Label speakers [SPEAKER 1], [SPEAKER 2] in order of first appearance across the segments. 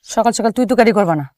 [SPEAKER 1] সকাল সকাল তুই তুকারি করবা না।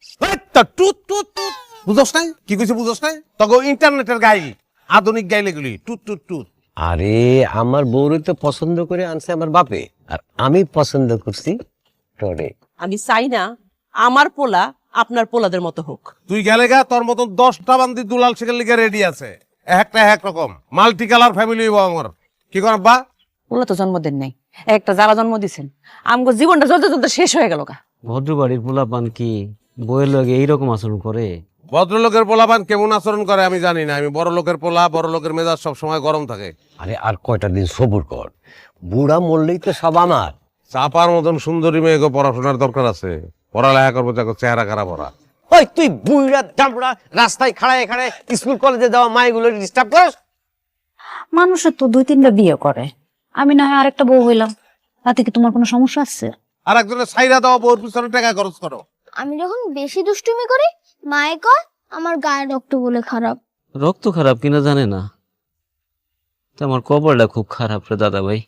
[SPEAKER 2] বুঝস নাই কি কইছে? বুঝস নাই? তখন ইন্টারনেটের গাইল, আধুনিক গাইল এগুলি। টুত টুত টুত।
[SPEAKER 3] আরে আমার বউরে তো পছন্দ করে আনছে আমার বাপে, আর আমি পছন্দ করছি টরে।
[SPEAKER 4] আমি চাই না আমার পোলা আপনার পোলাদের মতো হোক।
[SPEAKER 2] তুই গেলে গা, তোর মতন 10টা বান্দি দুলাল শেখের লিগে রেডি আছে, একটা এক রকম মাল্টি কালার ফ্যামিলি হইব আমার। কি কর আব্বা?
[SPEAKER 1] ওলা তো জন্মদিন নেই, একটা যারা জন্ম দিছেন আমগো জীবনটা চলতে চলতে শেষ হয়ে গেল গা।
[SPEAKER 5] ভদ্রবাড়ির পোলাপান কি বইয়ের লগে এইরকম আচরণ করে?
[SPEAKER 2] ভদ্রলোকের পোলাপান কেমন আচরণ করে আমি জানি না, আমি বড় লোকের পোলা, বড় লোকের মেজাজ সব সময় গরম থাকে।
[SPEAKER 3] আরে আর কয়টা দিন সবুর কর, বুড়া মরলেই তো সব আমার।
[SPEAKER 2] চাপার মতন সুন্দরী মেয়েকে পড়াশোনার দরকার আছে, পড়ালেখা করবো, দেখো চেহারা খারাপ ওরা।
[SPEAKER 3] ওই তুই বুড়া দামড়া রাস্তায় খাড়ায় খাড়ায় স্কুল কলেজে যাওয়া মায়েগুলো ডিস্টার্ব করস।
[SPEAKER 6] মানুষের তো 2-3টা বিয়ে করে, আমি না হয় আরেকটা বউ হইলাম, তাতে কি তোমার কোনো সমস্যা আছে?
[SPEAKER 2] আর একজনের সাইরা দেওয়া বউর পিছনে টাকা খরচ করো।
[SPEAKER 7] আমি যখন বেশি দুষ্টুমি করি মায়ে কয় আমার গায়ের রক্ত বলে খারাপ।
[SPEAKER 5] রক্ত খারাপ কিনা জানে না, তো আমার কপালটা খুব খারাপ রে দাদা ভাই।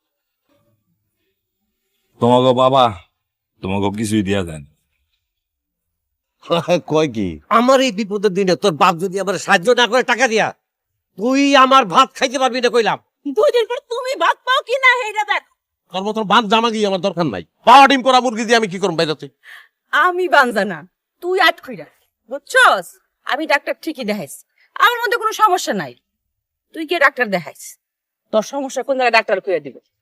[SPEAKER 8] তোমাকে বাবা তোমাকে কিছুই দিয়া যায় না।
[SPEAKER 2] কয় কি?
[SPEAKER 3] আমার এই বিপদের দিনে তোর বাপ যদি আমার সাহায্য না করে টাকা দিয়া, তুই আমার ভাত খাইতে পারবি না কইলাম।
[SPEAKER 4] 2 দিন পর তুমি ভাত পাও কি না হেইটা দেখ।
[SPEAKER 2] তোর মতন বাদ জামা গিয়ে আমার দরকার নাই। পাওয়া ডিম করা মুরগি দিয়ে আমি কি করবো বাইরে?
[SPEAKER 1] আমি বানজা না, তুই আট কইরা বুঝছস? আমি ডাক্তার ঠিকই দেখাইছি, আমার মধ্যে কোনো সমস্যা নাই। তুই কে ডাক্তার দেখাইছ? তোর সমস্যা কোন জায়গায় ডাক্তার কইয়া দিবে?